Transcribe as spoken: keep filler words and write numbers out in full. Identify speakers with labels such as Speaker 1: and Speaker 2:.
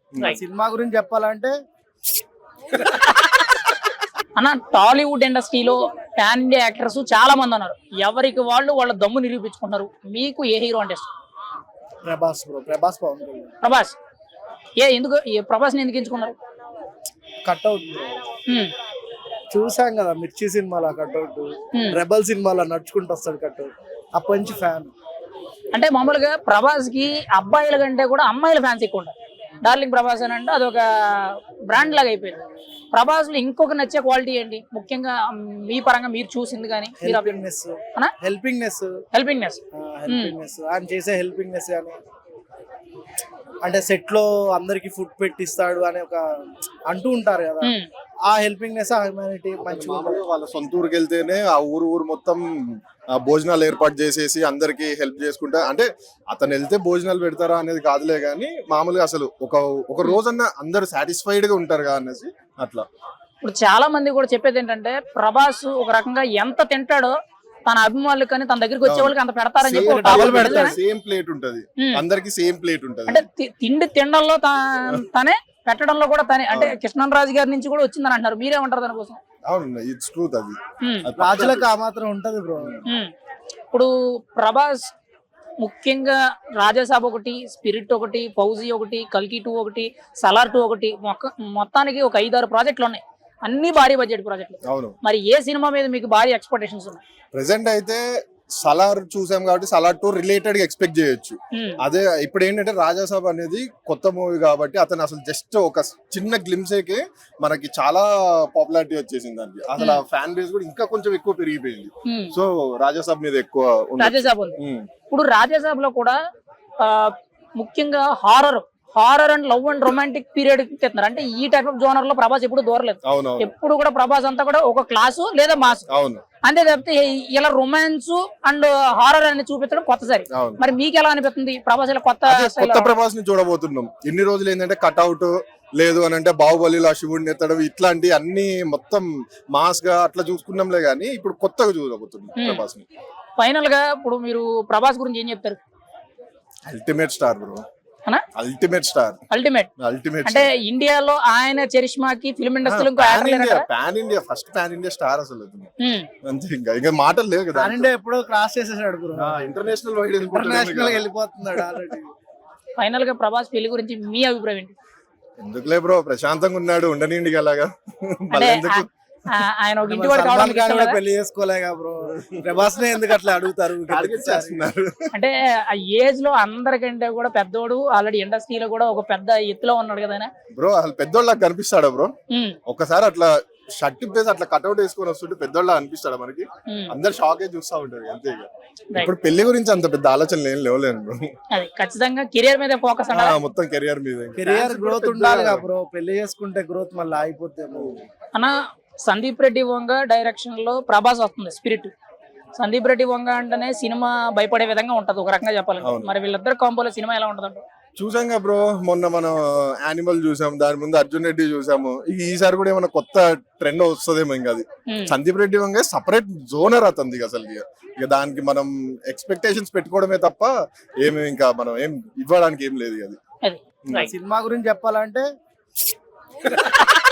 Speaker 1: Cinema గురించి చెప్పాలంటే
Speaker 2: అన్న టాలీవుడ్ ఇండస్ట్రీలో పాన్ ఇండియా యాక్టర్స్ చాలా మంది ఉన్నారు. ఎవరికి వాళ్ళు వాళ్ళ దమ్ము నిరూపించుకుంటారు. మీకు ఏ హీరో అంటే ఇష్టం?
Speaker 1: ప్రభాస్ బ్రో. ప్రభాస్ పవన్ కళ్యాణ్.
Speaker 2: ప్రభాస్. ఏ ఎందుకు ఏ ప్రభాస్ని ఎందుకు ఎంచుకున్నారు?
Speaker 1: Cutout bro. చూసాం కదా మిర్చి సినిమాలో కట్అవుట్, రెబల్ సినిమాలో నడుచుకుంటూ వస్తాడు కట్అవుట్. అప్పటి నుంచి ఫ్యాన్.
Speaker 2: అంటే మామూలుగా ప్రభాస్ కి అబ్బాయిల కంటే కూడా అమ్మాయిల ఫ్యాన్స్ ఎక్కువ ఉంటారు. డార్లింగ్ ప్రభాస్ అని అంటే అదొక బ్రాండ్ లాగా అయిపోయింది. ప్రభాస్ లో ఇంకొక నచ్చే క్వాలిటీ ఏంటి ముఖ్యంగా మీ పరంగా మీరు చూసింది? కానీ
Speaker 1: హెల్పింగ్నెస్ హెల్పింగ్నెస్
Speaker 2: హెల్పింగ్నెస్
Speaker 1: హెల్పింగ్నెస్ ఆయన చేసే హెల్పింగ్నెస్ కానీ, అంటే సెట్ లో అందరికి ఫుడ్ పెట్టిస్తాడు అని ఒక అంటూ ఉంటారు కదా, ఆ హెల్పింగ్నెస్ ఆ హ్యూమానిటీ మంచిగా.
Speaker 3: వాళ్ళ సొంత ఊరికి వెళ్తేనే ఆ ఊరు ఊరు మొత్తం భోజనాలు ఏర్పాటు చేసేసి అందరికి హెల్ప్ చేసుకుంటా. అంటే అతను వెళ్తే భోజనాలు పెడతారా అనేది కాదులే గానీ మామూలుగా అసలు ఒక ఒక రోజన్నా అందరు సాటిస్ఫైడ్ గా ఉంటారు కదా అనేసి అట్లా.
Speaker 2: ఇప్పుడు చాలా మంది కూడా చెప్పేది ఏంటంటే ప్రభాస్ ఒక రకంగా ఎంత తింటాడో తన అభిమానులు కానీ తన దగ్గరికి వచ్చే వాళ్ళకి అంత పెడతారని చెప్పి
Speaker 3: సేమ్ ప్లేట్ ఉంటది, అందరికి సేమ్ ప్లేట్ ఉంటది.
Speaker 2: అంటే తిండి తినడంలో తనే, పెట్టడంలో కూడా తనే. అంటే కృష్ణరాజు గారి నుంచి కూడా వచ్చిందని అంటారు. మీరేమంటారు దానికోసం?
Speaker 3: అవును, ఇట్స్ ట్రూత్. అది
Speaker 1: రాజులకు ఆ మాత్రం ఉంటది బ్రో.
Speaker 2: ఇప్పుడు ప్రభాస్ ముఖ్యంగా రాజాసాబ్ ఒకటి, స్పిరిట్ ఒకటి, ఫౌజీ ఒకటి, కల్కి టూ ఒకటి, సలార్ టూ ఒకటి, మొత్తానికి ఒక ఐదారు ప్రాజెక్టులు ఉన్నాయి. అన్ని భారీ బడ్జెట్ ప్రాజెక్టులు.
Speaker 3: అవును.
Speaker 2: మరి ఏ సినిమా మీద మీకు భారీ ఎక్స్పెక్టేషన్స్ ఉన్నాయి?
Speaker 3: ప్రెసెంట్ అయితే సలార్ చూసాం కాబట్టి సలార్ టూ రిలేటెడ్ గా ఎక్స్పెక్ట్ చేయొచ్చు. అదే ఇప్పుడు ఏంటంటే రాజాసాబ్ అనేది కొత్త మూవీ కాబట్టి అతను అసలు జస్ట్ ఒక చిన్న గ్లిమ్సేకే మనకి చాలా పాపులారిటీ వచ్చేసింది. దానికి అసలు ఆ ఫ్యాన్ బేస్ కూడా ఇంకా కొంచెం ఎక్కువ పెరిగిపోయింది. సో రాజాసాబ్ మీద ఎక్కువ
Speaker 2: రాజాసాబ్ ఉంది. ఇప్పుడు రాజాసాబ్ లో కూడా ముఖ్యంగా horror horror and love and romantic period తెస్తున్నారు. అంటే ఈ టైప్ ఆఫ్ జోనర్ లో ప్రభాస్ ఎప్పుడు దూరలేదు. ఎప్పుడు కూడా ప్రభాస్ అంతా కూడా ఒక క్లాసు లేదా మాస్, అంతే తప్పితే ఇలా రొమాన్స్ అండ్ హారర్ అని చూపించడం కొత్తసారి. మరి మీకు ఎలా అనిపిస్తుంది ప్రభాస్ ఇలా కొత్త
Speaker 3: కొత్త ప్రభాస్ ని చూడబోతున్నాం? ఇన్ని రోజులు ఏంటంటే కట్అవుట్ లేదు అని అంటే బాహుబలిలో శివుడిని ఎత్తడం ఇట్లాంటి అన్ని మొత్తం మాస్ గా అట్లా చూసుకున్నాంలే గానీ ఇప్పుడు కొత్తగా చూడబోతున్నాం ప్రభాస్ ని.
Speaker 2: ఫైనల్ గా ఇప్పుడు మీరు ప్రభాస్ గురించి ఏం చెప్తారు?
Speaker 3: Ultimate star bro. Ultimate star.
Speaker 2: Ultimate
Speaker 3: ultimate
Speaker 2: అంటే ఇండియాలో ఆయన చరిష్మాకి ఫిల్మ్ ఇండస్ట్రీలో
Speaker 3: pan India first pan India star అసలు. అంతే, ఇంకా ఇంకా మాటలు లేవు కదా.
Speaker 1: పాన్ ఇండియా ఎప్పుడో క్రాస్ చేసేసాడు బ్రో.
Speaker 3: ఇంటర్నేషనల్ వైడ్
Speaker 1: ఇంటర్నేషనల్ వెళ్ళిపోతున్నాడు ఆల్రెడీ.
Speaker 2: ఫైనల్ గా ప్రభాస్ పెళ్లి గురించి మీ అభిప్రాయం ఏంటి?
Speaker 3: ఎందుకులే బ్రో, ప్రశాంతంగా ఉన్నాడు, ఉండనిండి అలాగా.
Speaker 2: ఆయన ఒక ఇంటి వాడు కావడం
Speaker 1: పెళ్లి చేసుకోలేగా బ్రో. ప్రభాస్ నే ఎందుకు అట్లా అడుగుతారు?
Speaker 2: అంటే ఆ ఏజ్ లో అందరికంటే కూడా పెద్దోడు, ఆల్రెడీ ఇండస్ట్రీలో కూడా ఒక పెద్ద ఎత్తులో ఉన్నాడు కదా
Speaker 3: బ్రో. అసలు పెద్దోళ్ళకి కనిపిస్తాడా బ్రో? ఒకసారి అట్లా షర్ట్ ఇప్పేసి అట్లా కట్అవుట్ వేసుకొని వస్తుంటే పెద్దోళ్ళ అనిపిస్తాడా మనకి? అందరు షాక్ అయి చూస్తా ఉంటారు అంతే. ఇప్పుడు పెళ్లి గురించి అంత పెద్ద ఆలోచనలు ఏం లేవులేను బ్రో.
Speaker 2: ఖచ్చితంగా కెరియర్ మీద ఫోకస్,
Speaker 3: మొత్తం కెరియర్ మీద.
Speaker 1: కెరియర్ గ్రోత్ ఉండాలి బ్రో. పెళ్లి చేసుకుంటే గ్రోత్ మళ్ళీ అయిపోతే
Speaker 2: అన్న. సందీప్ రెడ్డి వంగ డైరెక్షన్ లో ప్రభాస్ వస్తుంది స్పిరిట్. సందీప్ రెడ్డి వంగ అంటేనే సినిమా భయపడే విధంగా ఉంటది ఒక రకంగా చెప్పాలంటే. మరి వీళ్ళిద్దరు కాంబోలో సినిమా ఎలా ఉంటదంట?
Speaker 3: చూసాం బ్రో, మొన్న మనం యానిమల్ చూసాం, దాని ముందు అర్జున్ రెడ్డి చూసాము. ఈసారి కూడా ఏమైనా కొత్త ట్రెండ్ వస్తుందేమో. ఇంకా అది సందీప్ రెడ్డి వంగ సపరేట్ జోనర్ అతనిది అసలు. ఇక దానికి మనం ఎక్స్పెక్టేషన్స్ పెట్టుకోవడమే తప్ప ఏమి ఇంకా మనం ఏం ఇవ్వడానికి ఏం లేదు. అది
Speaker 1: సినిమా గురించి చెప్పాలంటే